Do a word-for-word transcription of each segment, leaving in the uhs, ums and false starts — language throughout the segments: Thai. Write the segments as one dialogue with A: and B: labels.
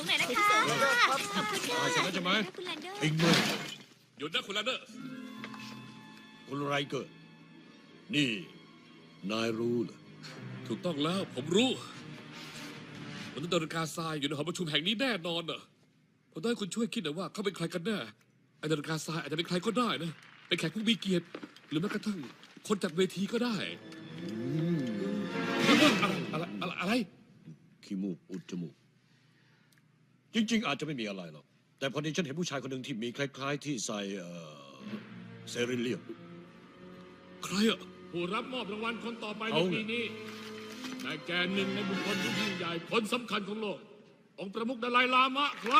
A: งๆหน่อยนะคะขอบคุณค่ะ
B: ใช่ไหมใช่ไหม
A: คุณแลนเดอร์
B: ไอ้เมื่อ
C: หยุดนะคุณแลนเดอร์
B: คุณไรเกิดนี่นายรู้เหรอ
C: ถูกต้องแล้วผมรู้มนุษย์ดาริกาทรายอยู่ในหอประชุมแห่งนี้แน่นอนน่ะผมต้องให้คุณช่วยคิดหน่อยว่าเขาเป็นใครกันแน่ไอ้ดาริกาทรายอาจจะเป็นใครก็ได้นะเป็นแขกผู้มีเกียรติหรือแม้กระทั่งคนจากเวทีก็ได้อะไรอะไรอะไร
B: ขี้มูกอุดจมูกจริงๆ อาจจะไม่มีอะไรหรอกแต่พอดีฉันเห็นผู้ชายคนหนึ่งที่มีคล้ายๆ ที่ใส่เอ่อเซริเลียม
C: ใครอะ
D: ผู้รับมอบรางวัลคนต่อไปใน
B: เอาไง
D: ปีนี้ได้แก่หนึ่งในบุคคลที่ยิ่งใหญ่คนสำคัญของโลก องค์ประมุขดาไลลามะครับ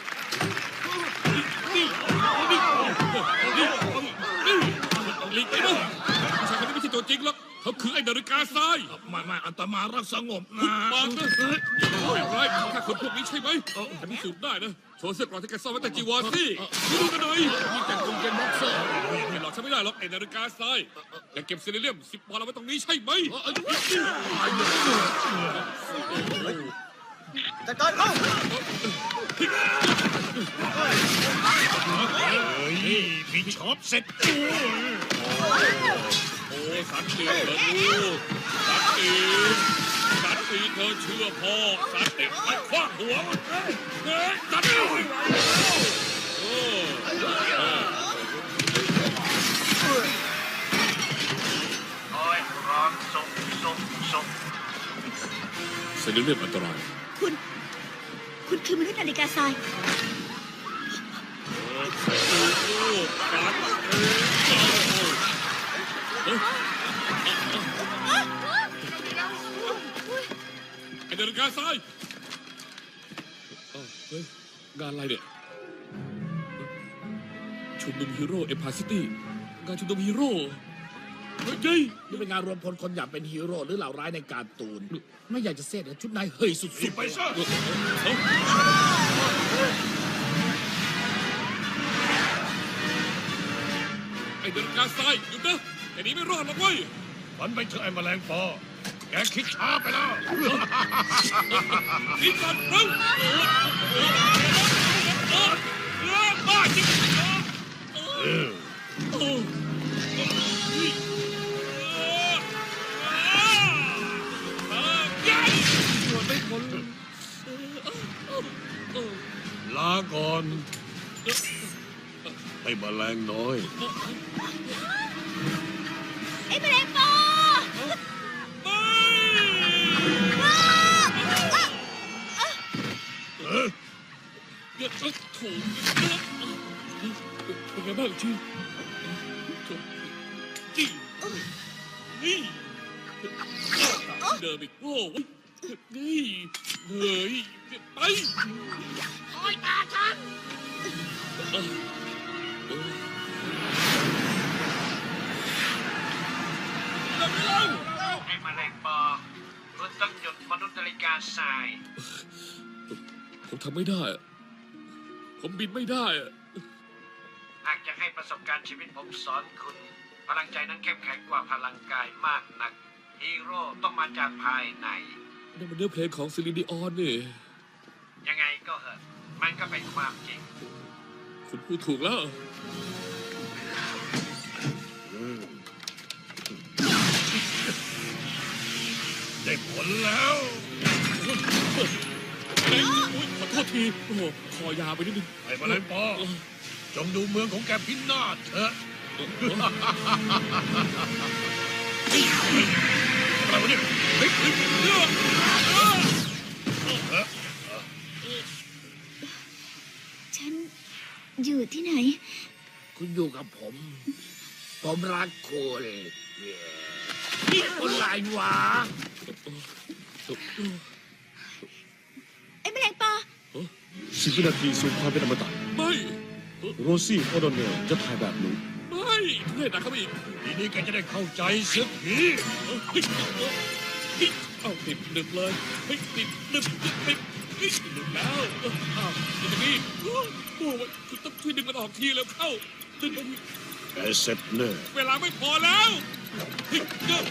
C: นี่นี่นี่นี่หลีกไปนะผู้ชายคนนี้ไม่ใช่ตัวจริงหรอกเขาคือไอ้ดาริกาทราย
D: ไม่ไม่อัตมารักสงบนะ
C: ปากนะแบบไรแค่คนพวกนี้ใช่ไหมฉันพิสูจน์ได้นะโชว์เสื้อกรอกที่แกซ่อนไว้แต่จีวรสิดูกันหน่อย
D: มีแต่กางเกงบ็อกเซอร์
C: ไม่หลอกฉันไม่ได้หรอกไอ้นาฬิกาทรายแกเก็บเซเลเรียมสิบปอนด์เอาไว้ตรงนี้ใช่ไหม
E: จัดการเขา
B: เฮ้ยมีช็อปเสร็จ
C: โอ้สันติเธอลูกสันติสันติเธอเชื่อพ่อสันติเอาคว้าหัวมันเฮ้ยสันติโอ้
E: คอยร้องส่งส่งส่ง
C: เซเลเรียมอันตราย
A: คุณ คุณคือมนุษย์นาฬิกาทราย
C: โอ้โหสันติไอ้นาฬิกาทรายเฮ้ยงานอะไรเนี่ยชุมนุมฮีโร่เอ็มพายซิตี้งานชุมนุมฮีโร่เฮ้ยเฮ้ย
D: นี่เป็นงานรวมพลคนอยากเป็นฮีโร่หรือเหล่าร้ายในการ์ตูน ไม่อยากจะเสียดชุดนายเฮ้ยสุดๆ
B: ไปซะ
C: ไอ้เดินกาทรายหยุดนะแค่นี้ไม่รอดหรอกเว้ย
B: ฝันไปเถอะไอ้แมลงปอแกคิดช้าไปแล้ว
C: นี่ก่อนเร็วบ้าจริงโอ้ไม่พ้น
B: ลาก่อนไอ้แมลงน้อย
A: ไอ้แมลงปอ
B: เออ
C: เดี๋ยวถูกเป็นไงบ้างจีจีนี่เดิมอีกโอ้ยนี่เฮ้ยไปโอ้ยตาฉันเดินไปแล้ว
E: ไอ้แมลงปอคุณต้องหยุดมนุษย์นาฬิกาทราย
C: ผมทำไม่ได้ ผมบินไม่ได้
E: หากจะให้ประสบการณ์ชีวิตผมสอนคุณ พลังใจนั้นเข้มแข็งกว่าพลังกายมากนัก ฮีโร่ต้องมาจากภายใน
C: นี่มันเนื้อเพลงของซิลินดิออนนี่
E: ยังไงก็เหอะมันก็เป็นความจริง
C: คุณพูดถูกแล้ว
B: ได้ผลแล้ว
C: เฮ้ยอุ๊ยขอโทษที โอ้โหคอยาวไปนิดนึง
B: ไอ้แมลงปอจงดูเมืองของแกพินาศเถอะอะไรวะเนี่ยเฮ้ยเฮ้ยเฮ้ยเฮ้ย
A: ฉันอยู่ที่ไหน
D: คุณอยู่กับผม ผมรักคุณนี่คนไรวะ
A: ไอ้แมลงปอ
B: สิบวินาทีสู่ความเป็นอมตะ
C: ไม่
B: โรซี่โอดอนเนลจะถ่ายแบบนี้
C: ไม่เล่นหนักเข้าไปอีก
B: ทีนี้แกจะได้เข้าใจเสียที
C: เฮ้ยเฮ้ยเอาติดหนึบเลยเฮ้ยติดหนึบติดติดเฮ้ยหนึบแล้วอ้าวอยู่ตรงนี้โอ้โหคุณต้องช่วยดึงมันออกทีแล้วเข้าดึงมัน
B: แกเสร็จแน่
C: เวลาไม่พอแล้วเฮ้ยเฮ้ย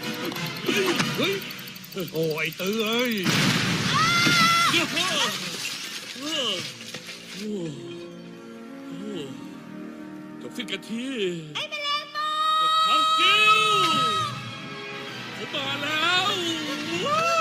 B: เฮ้ยโอ้ไอ้เตื้อเอ้ย
C: เดี๋ยวพ่ออโอ้โอ้จบสิ้นกันที
A: ไอ้แมลงปอ
C: ฮักกิ้วผมมาแล้วว้าว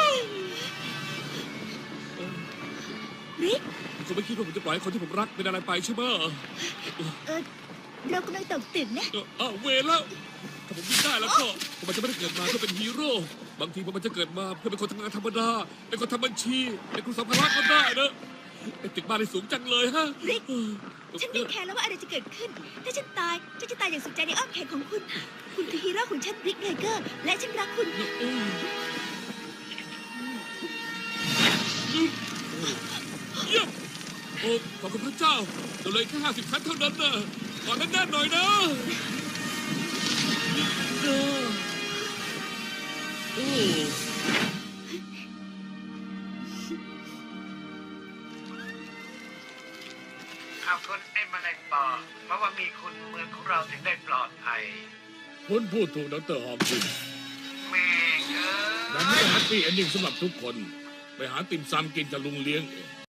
A: ริก
C: คุณไม่คิดว่าผมจะปล่อยให้คนที่ผมรักเป็นอะไรไปใช่ไหม
A: เออเรากำลังตกตึกนะ
C: เอ่ออ้าวเวรแล้วถ้าผมวิ่งได้แล้วก็ผมอาจจะไม่ได้เกิดมาเพื่อเป็นฮีโร่บางทีผมอาจจะเกิดมาเพื่อเป็นคนทำงานธรรมดาเป็นคนทำบัญชีเป็นครูสัมภาระก็ได้นะไอ้ตึกบ้านนี่สูงจังเลยฮะ
A: ริก ฉันไม่แคร์แล้วว่าอะไรจะเกิดขึ้น ถ้าฉันตายฉันจะตายอย่างสุขใจในอ้อมแขนของคุณ คุณคือฮีโร่ของฉันริกไนเกอร์ และฉันรักคุณ
C: เยี่ยมโอ้ขอบคุณพระเจ้าเราเลยแค่ห้าสิบชั้นเท่านั้นนะขอแน่นๆหน่อยนะโอ้
E: ขอบคุณไอ้แมลงปอ เพราะว่ามีคุณเมืองของเราถึงได้ปลอดภัย
D: คุณพูดถูกดรฮอมกิน
E: แม่งเอ
D: แบบ
E: อ
D: นี้แฮปปี้เอนดิ้งสำหรับทุกคน ไปหาติ่มซำกินกับลุงเลี้ยงเอง